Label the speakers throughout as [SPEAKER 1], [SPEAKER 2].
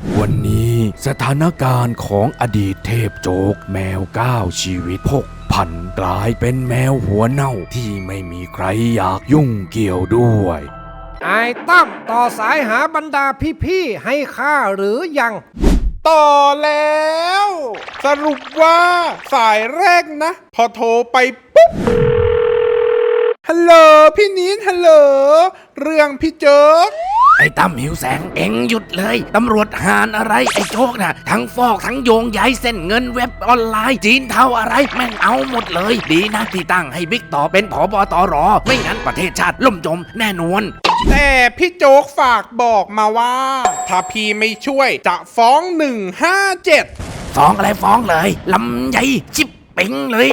[SPEAKER 1] วันนี้สถานการณ์ของอดีตเทพโจ๊กแมว9ชีวิตพกผันกลายเป็นแมวหัวเน่าที่ไม่มีใครอยากยุ่งเกี่ยวด้วย
[SPEAKER 2] ไอ้ตั้มต่อสายหาบรรดาพี่ๆให้ข้าหรือยัง
[SPEAKER 3] ต่อแล้ว สรุปว่าสายแรกนะ พอโทรไปปุ๊บฮัลโหลพี่นิดฮัลโหลเรื่องพี่โจ๊ก
[SPEAKER 1] ไอ้ตั้มหิวแสงเอ็งหยุดเลยตำรวจหานอะไรไอ้โจ๊กน่ะทั้งฟอกทั้งโยงย้ายเส้นเงินเว็บออนไลน์จีนเทาอะไรแม่งเอาหมดเลยดีนะที่ตั้งให้บิ๊กต่อเป็นผบตรไม่งั้นประเทศชาติล่มจมแน่นอน
[SPEAKER 3] แต่พี่โจ๊กฝากบอกมาว่าถ้าพี่ไม่ช่วยจะฟ้อง157
[SPEAKER 1] ฟ้องอะไรฟ้องเลยลำใหญ่ชิบเป่งเลย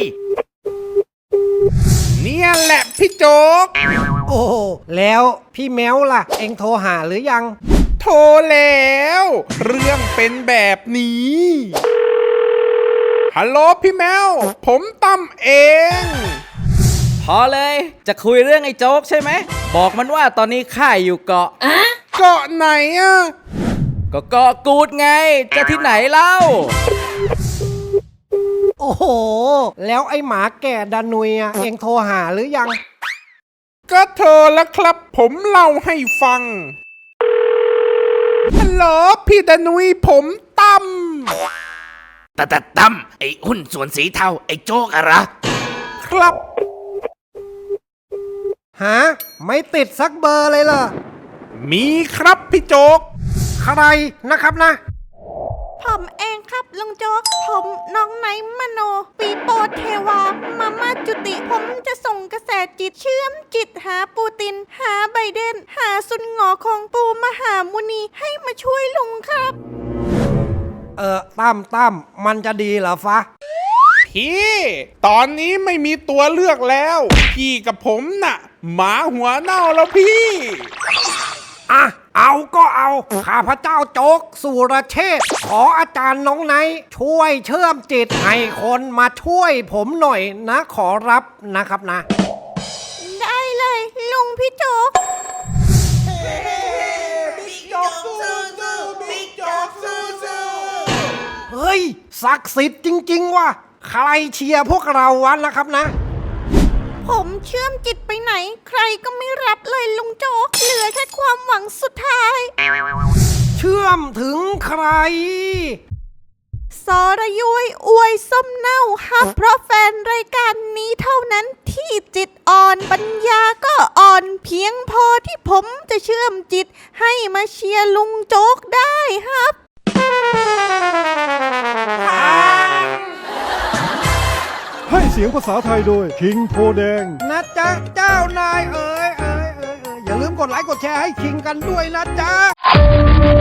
[SPEAKER 3] เนี่ยแหละพี่โจ๊ก
[SPEAKER 2] โอ้แล้วพี่แมวล่ะเอ็งโทรหาหรือยัง
[SPEAKER 3] โทรแล้วเรื่องเป็นแบบนี้ฮัลโหลพี่แมวผมตั้มเอง
[SPEAKER 4] พอเลยจะคุยเรื่องไอ้โจ๊กใช่ไหมบอกมันว่าตอนนี้ข้าอยู่เกาะ
[SPEAKER 3] เกาะไหนอ่ะ
[SPEAKER 4] ก็เกาะกูดไงจะที่ไหนเล่า
[SPEAKER 2] โอ้โหแล้วไอ้หมาแก่ดานุยเอ็งโทรหาหรือยัง
[SPEAKER 3] ก็โทรแล้วครับผมเล่าให้ฟังฮัลโหลพี่ดานุยผมตั้ม
[SPEAKER 1] ตั้มไอ้หุ้นส่วนสีเทาไอ้โจ๊กอะไร
[SPEAKER 3] ครับ
[SPEAKER 2] หาไม่ติดสักเบอร์เลยเหรอ
[SPEAKER 3] มีครับพี่โจ๊ก
[SPEAKER 2] ใครนะครับนะ
[SPEAKER 5] ผมเองครับลุงโจ๊กผมน้องไนมโนปีโปเทวามาม่าจุติผมจะส่งกระแสจิตเชื่อมจิตหาปูตินหาไบเดนหาซุนหงอของปูมหามุนีให้มาช่วยลุงครับ
[SPEAKER 2] ตั้มมันจะดีเหรอฟะ
[SPEAKER 3] พี่ตอนนี้ไม่มีตัวเลือกแล้วพี่กับผมน่ะหมาหัวเน่าแล้วพี่
[SPEAKER 2] เอาก็เอาข้าพเจ้าโจ๊กสุรเชษฐ์ขออาจารย์น้องไนท์ช่วยเชื่อมจิตให้คนมาช่วยผมหน่อยนะขอรับนะครับนะ
[SPEAKER 5] ได้เลยลุงพี่โจ๊ก
[SPEAKER 3] บิ๊กโจ๊กสู้บิ๊กโจ๊กสู้
[SPEAKER 2] เฮ้ยศักดิ์สิทธิ์จริงๆว่ะใครเชียร์พวกเราวะนะครับนะ
[SPEAKER 5] ผมเชื่อมจิตไปไหนใครก็ไม่รับเลยลุงโจ๊กเหลือแค่ความหวังสุดท้าย
[SPEAKER 2] เชื่อมถึงใคร
[SPEAKER 5] สรยุ้ยอวยส้มเน่าฮับเพราะแฟนรายการนี้เท่านั้นที่จิตอ่อนปัญญาก็อ่อนเพียงพอที่ผมจะเชื่อมจิตให้มาเชียร์ลุงโจ๊กได้ครับ
[SPEAKER 6] ให้เสียงภาษาไทยโดยคิงโพแดง
[SPEAKER 2] นะจ๊ะเจ้านายอย่าลืมกดไลค์กดแชร์ให้คิงกันด้วยนะจ๊ะ